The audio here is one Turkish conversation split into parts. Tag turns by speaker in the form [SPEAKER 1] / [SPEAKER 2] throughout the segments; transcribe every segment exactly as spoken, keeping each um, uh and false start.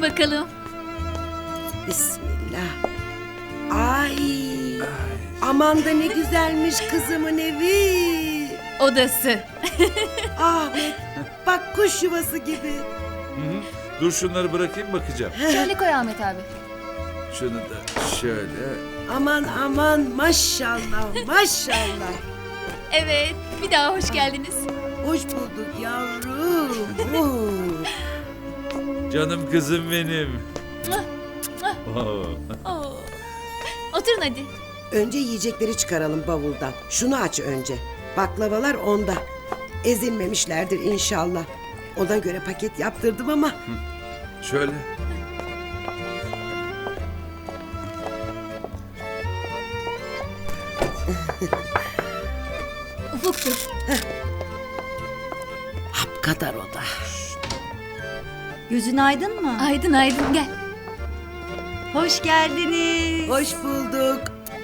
[SPEAKER 1] bakalım.
[SPEAKER 2] Bismillah. Ay. Aman da ne güzelmiş kızımın evi.
[SPEAKER 1] Odası.
[SPEAKER 2] Ahmet bak kuş yuvası gibi.
[SPEAKER 3] Dur şunları bırakayım bakacağım.
[SPEAKER 1] Şöyle koy Ahmet abi.
[SPEAKER 3] Şunu da şöyle.
[SPEAKER 2] Aman aman maşallah maşallah.
[SPEAKER 1] Evet, bir daha hoş geldiniz.
[SPEAKER 2] Hoş bulduk yavrum. Oo.
[SPEAKER 3] Canım kızım benim.
[SPEAKER 1] Mwah, mwah.
[SPEAKER 3] Oo.
[SPEAKER 1] Oo. Oturun hadi.
[SPEAKER 2] Önce yiyecekleri çıkaralım bavuldan. Şunu aç önce. Baklavalar onda. Ezilmemişlerdir inşallah. Ona göre paket yaptırdım ama.
[SPEAKER 3] Şöyle.
[SPEAKER 1] Ufuktur.
[SPEAKER 2] Hap kadar o da.
[SPEAKER 4] Gözün aydın mı?
[SPEAKER 1] Aydın aydın gel.
[SPEAKER 4] Hoş geldiniz.
[SPEAKER 2] Hoş bulduk.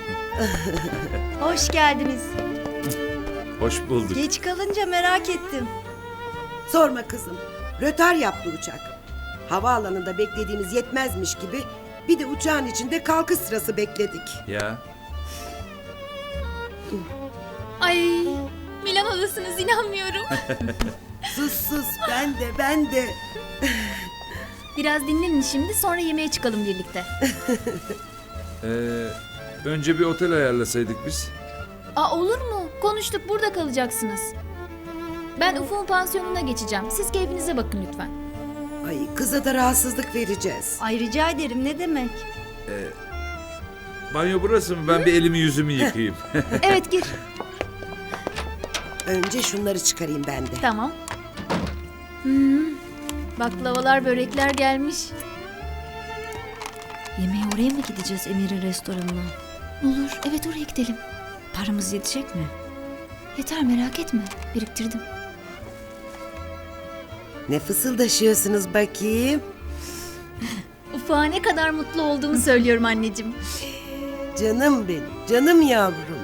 [SPEAKER 4] Hoş geldiniz.
[SPEAKER 3] Hoş bulduk.
[SPEAKER 4] Geç kalınca merak ettim.
[SPEAKER 2] Sorma kızım. Rötar yaptı uçak. Havaalanında beklediğimiz yetmezmiş gibi bir de uçağın içinde kalkış sırası bekledik.
[SPEAKER 3] Ya.
[SPEAKER 1] Ay, Milano'dasınız inanmıyorum.
[SPEAKER 2] Sus sus ben de ben de.
[SPEAKER 1] Biraz dinlenin şimdi sonra yemeğe çıkalım birlikte.
[SPEAKER 3] Ee, önce bir otel ayarlasaydık biz.
[SPEAKER 1] Aa olur mu? Konuştuk burada kalacaksınız. Ben Ufuk'un pansiyonuna geçeceğim. Siz keyfinize bakın lütfen.
[SPEAKER 2] Ay kıza da rahatsızlık vereceğiz.
[SPEAKER 4] Ay rica ederim, ne demek?
[SPEAKER 3] Banyo burası mı? Ben bir elimi yüzümü yıkayayım.
[SPEAKER 1] Evet gir.
[SPEAKER 2] Önce şunları çıkarayım ben de.
[SPEAKER 1] Tamam. Hmm, baklavalar, börekler gelmiş.
[SPEAKER 4] Yemeğe oraya mı gideceğiz, Emir'in restoranına?
[SPEAKER 1] Olur, evet oraya gidelim.
[SPEAKER 4] Paramız yetecek mi?
[SPEAKER 1] Yeter merak etme, biriktirdim.
[SPEAKER 2] Ne fısıldaşıyorsunuz bakayım?
[SPEAKER 1] Ufuk'a ne kadar mutlu olduğumu söylüyorum anneciğim.
[SPEAKER 2] Canım benim, canım yavrum.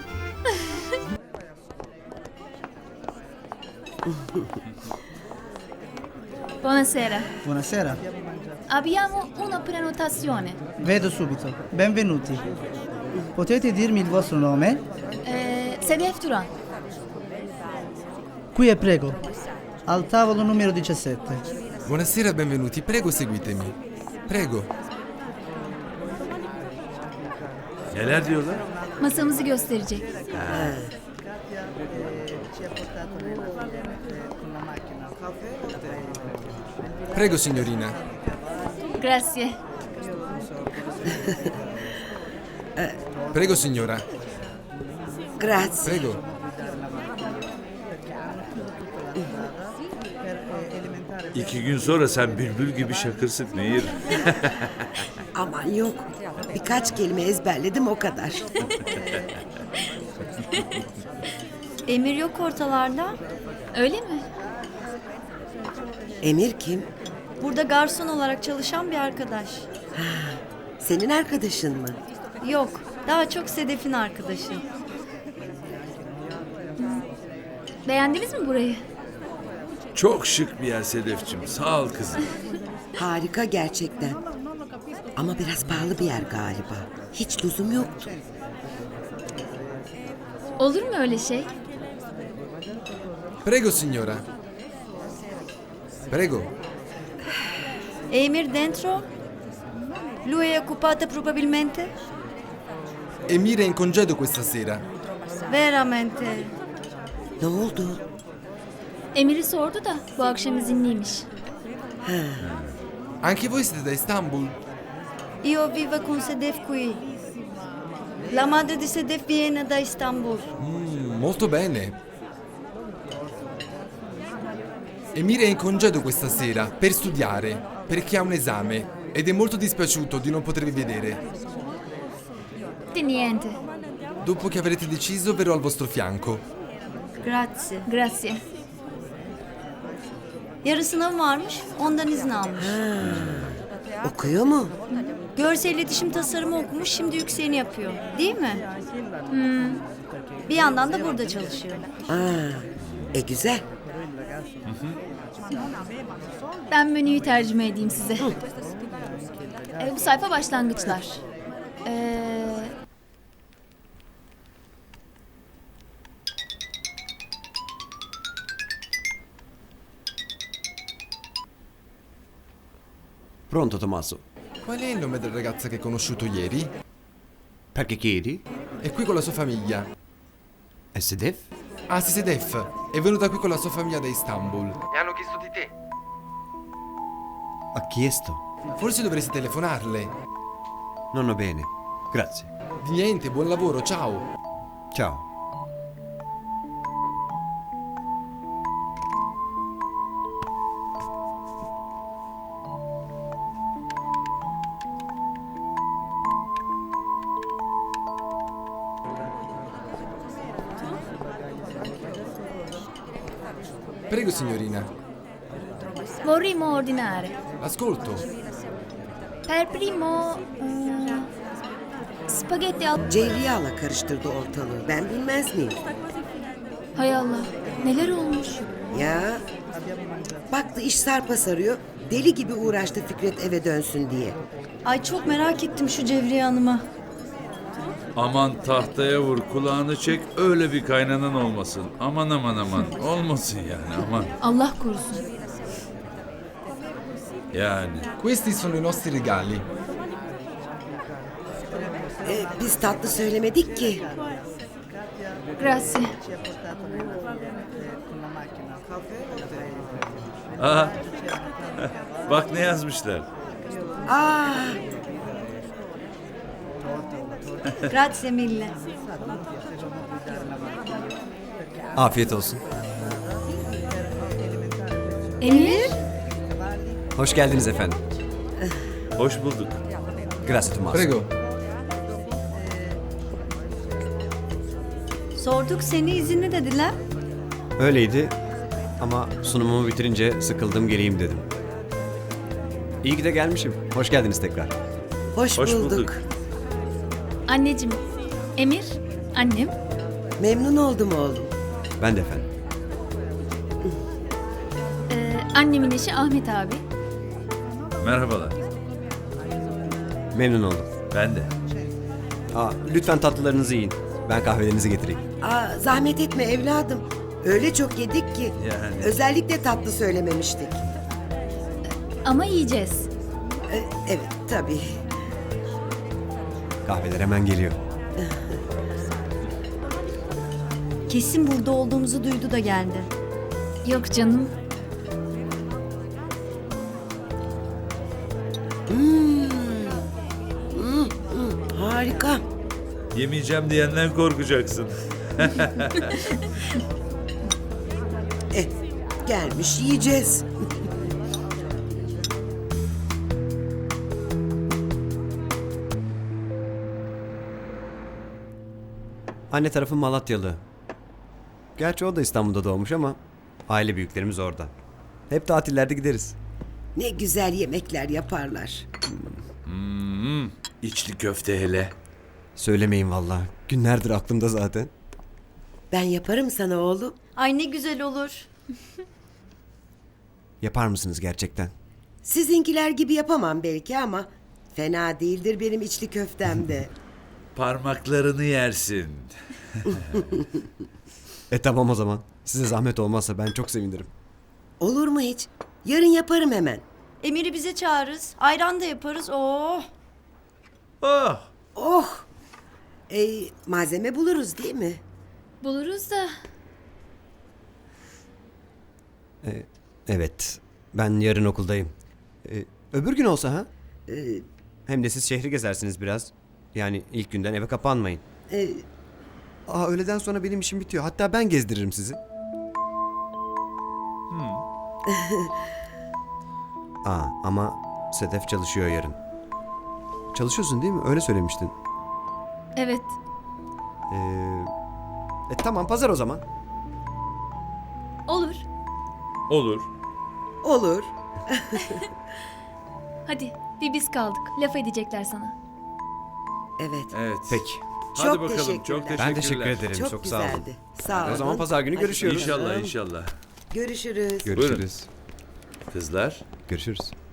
[SPEAKER 1] Buonasera.
[SPEAKER 5] Buonasera,
[SPEAKER 1] Abbiamo una prenotazione.
[SPEAKER 5] vedo subito. Benvenuti. Potete dirmi il vostro nome?
[SPEAKER 1] Ee, Sedef Duran.
[SPEAKER 5] Qui è prego. Al tavolo numero diciassette.
[SPEAKER 6] Buonasera, benvenuti. Prego, seguitemi. Prego.
[SPEAKER 3] Neler diyorlar?
[SPEAKER 1] Masamızı gösterecek.
[SPEAKER 6] Prego, signorina.
[SPEAKER 1] Grazie.
[SPEAKER 6] Prego, signora.
[SPEAKER 2] Grazie.
[SPEAKER 6] Prego.
[SPEAKER 3] İki gün sonra sen bülbül gibi şakırsın Nehir.
[SPEAKER 2] Aman yok. Birkaç kelime ezberledim o kadar.
[SPEAKER 4] Emir yok ortalarda.
[SPEAKER 1] Öyle mi?
[SPEAKER 2] Emir kim?
[SPEAKER 4] Burada garson olarak çalışan bir arkadaş.
[SPEAKER 2] Senin arkadaşın mı?
[SPEAKER 4] Yok, daha çok Sedef'in arkadaşı.
[SPEAKER 1] Beğendiniz mi burayı?
[SPEAKER 3] Çok şık bir yer Sedef'cim. Sağ ol kızım.
[SPEAKER 2] Harika gerçekten. Ama biraz pahalı bir yer galiba. Hiç lüzum yoktu.
[SPEAKER 1] Olur mu öyle şey?
[SPEAKER 6] Prego, signora. Prego.
[SPEAKER 4] Emir dentro? Lui è occupato probabilmente?
[SPEAKER 6] Emir è in congedo questa sera.
[SPEAKER 4] Veramente.
[SPEAKER 2] Ne oldu?
[SPEAKER 1] Emir'i sordu da bu akşam izinliymiş.
[SPEAKER 6] Anche voi siete da Istanbul?
[SPEAKER 4] Io vivo con Sedef qui. La madre di Sedef viene da Istanbul.
[SPEAKER 6] Mm, molto bene. Emir è in congedo questa sera per studiare, perché ha un esame ed è molto dispiaciuto di non potervi vedere.
[SPEAKER 1] Di niente.
[SPEAKER 6] Dopo che avrete deciso verrò al vostro fianco.
[SPEAKER 4] Grazie.
[SPEAKER 1] Grazie.
[SPEAKER 4] Yarın sınavı varmış, ondan izin almış.
[SPEAKER 2] Okuyor mu?
[SPEAKER 4] Görsel iletişim tasarımı okumuş, şimdi yükseğini yapıyor. Değil mi? Hmm. Bir yandan da burada çalışıyor.
[SPEAKER 2] Aa, e güzel.
[SPEAKER 1] Ben menüyü tercüme edeyim size. Ee, bu sayfa başlangıçlar. Ee,
[SPEAKER 7] Pronto Tommaso,
[SPEAKER 6] Qual è il nome del ragazzo che hai conosciuto ieri?
[SPEAKER 7] perché chiedi?
[SPEAKER 6] È qui con la sua famiglia.
[SPEAKER 7] Sedef?
[SPEAKER 6] Ah, sì, Sedef. È venuta qui con la sua famiglia da Istanbul. E hanno chiesto di te.
[SPEAKER 7] Ha chiesto?
[SPEAKER 6] Forse dovresti telefonarle.
[SPEAKER 7] Non va bene, grazie.
[SPEAKER 6] Di niente, buon lavoro, ciao.
[SPEAKER 7] Ciao.
[SPEAKER 6] Prego, signorina.
[SPEAKER 1] vorremmo ordinare.
[SPEAKER 6] Ascolto.
[SPEAKER 1] Per primo... eh, spagetti al...
[SPEAKER 2] Cevriya'la karıştırdı ortalığı. Ben bilmez miyim?
[SPEAKER 1] Hay Allah. Neler olmuş?
[SPEAKER 2] Ya baktı iş sarpa sarıyor. Deli gibi uğraştı Fikret eve dönsün diye.
[SPEAKER 4] Ay çok merak ettim şu Cevriye Hanım'ı.
[SPEAKER 3] Aman tahtaya vur kulağını çek öyle bir kaynanan olmasın. Aman aman aman olmasın yani aman.
[SPEAKER 1] Allah korusun.
[SPEAKER 3] Yani
[SPEAKER 6] Questi sono i nostri regali.
[SPEAKER 2] Ee, biz tatlı söylemedik ki.
[SPEAKER 1] Grazie.
[SPEAKER 3] aha. Bak ne yazmışlar.
[SPEAKER 2] Aa,
[SPEAKER 4] Grazie mille.
[SPEAKER 7] Afiyet olsun.
[SPEAKER 1] Emir?
[SPEAKER 7] Hoş geldiniz efendim.
[SPEAKER 3] Hoş bulduk.
[SPEAKER 7] Grazie Tommaso.
[SPEAKER 6] Prego.
[SPEAKER 4] Sorduk seni izinli dediler.
[SPEAKER 7] Öyleydi ama sunumumu bitirince sıkıldım geleyim dedim. İyi ki de gelmişim. Hoş geldiniz tekrar.
[SPEAKER 2] hoş,
[SPEAKER 3] Hoş
[SPEAKER 2] bulduk.
[SPEAKER 3] bulduk.
[SPEAKER 1] Anneciğim. Emir? Annem?
[SPEAKER 2] Memnun oldum oğlum.
[SPEAKER 7] Ben de efendim.
[SPEAKER 1] Ee, annemin eşi Ahmet abi.
[SPEAKER 3] Merhabalar.
[SPEAKER 7] Memnun oldum.
[SPEAKER 3] Ben de.
[SPEAKER 7] Aa, lütfen tatlılarınızı yiyin. Ben kahvelerinizi getireyim.
[SPEAKER 2] Aa, zahmet etme evladım. Öyle çok yedik ki.
[SPEAKER 3] Yani.
[SPEAKER 2] Özellikle tatlı söylememiştik.
[SPEAKER 1] Ama yiyeceğiz.
[SPEAKER 2] Ee, evet tabii.
[SPEAKER 7] Kahveler hemen geliyor.
[SPEAKER 4] Kesin burada olduğumuzu duydu da geldi.
[SPEAKER 1] Yok canım.
[SPEAKER 2] Harika.
[SPEAKER 3] Yemeyeceğim diyenden korkacaksın.
[SPEAKER 2] Eh, gelmiş yiyeceğiz.
[SPEAKER 7] Anne tarafı Malatyalı. Gerçi o da İstanbul'da doğmuş ama aile büyüklerimiz orada. Hep tatillerde gideriz.
[SPEAKER 2] Ne güzel yemekler yaparlar.
[SPEAKER 3] İçli köfte hele.
[SPEAKER 7] Söylemeyin vallahi. Günlerdir aklımda zaten.
[SPEAKER 2] Ben yaparım sana oğlum.
[SPEAKER 4] Ay ne güzel olur.
[SPEAKER 7] Yapar mısınız gerçekten?
[SPEAKER 2] Sizinkiler gibi yapamam belki ama fena değildir benim içli köftem de.
[SPEAKER 3] Parmaklarını yersin.
[SPEAKER 7] E tamam o zaman. Size zahmet olmazsa ben çok sevinirim.
[SPEAKER 2] Olur mu hiç? Yarın yaparım hemen.
[SPEAKER 4] Emir'i bize çağırırız. Ayran da yaparız. Oh.
[SPEAKER 3] Oh.
[SPEAKER 2] Oh! Ee, malzeme buluruz değil mi?
[SPEAKER 1] Buluruz da.
[SPEAKER 7] E, evet. Ben yarın okuldayım. E, öbür gün olsa ha?
[SPEAKER 2] Ee,
[SPEAKER 7] Hem de siz şehri gezersiniz biraz. Yani ilk günden eve kapanmayın.
[SPEAKER 2] e,
[SPEAKER 7] Aa öğleden sonra benim işim bitiyor. Hatta ben gezdiririm sizi. Aa ama Sedef çalışıyor yarın. Çalışıyorsun değil mi? Öyle söylemiştin.
[SPEAKER 1] Evet.
[SPEAKER 7] Ee, e tamam pazar o zaman.
[SPEAKER 1] Olur.
[SPEAKER 3] Olur.
[SPEAKER 2] olur.
[SPEAKER 1] Hadi bir biz kaldık. Laf edecekler sana.
[SPEAKER 2] Evet.
[SPEAKER 3] Evet.
[SPEAKER 7] Peki.
[SPEAKER 3] Hadi
[SPEAKER 2] Çok
[SPEAKER 3] bakalım.
[SPEAKER 2] teşekkürler.
[SPEAKER 3] Çok teşekkürler.
[SPEAKER 7] Ben teşekkür ederim.
[SPEAKER 2] Çok,
[SPEAKER 7] Çok, sağ olun.
[SPEAKER 2] güzeldi. Sağ olun.
[SPEAKER 7] O zaman pazar günü
[SPEAKER 2] Hadi
[SPEAKER 7] görüşüyoruz.
[SPEAKER 3] İnşallah
[SPEAKER 2] bakalım.
[SPEAKER 3] inşallah.
[SPEAKER 2] Görüşürüz.
[SPEAKER 7] Görüşürüz.
[SPEAKER 3] Kızlar.
[SPEAKER 7] Görüşürüz.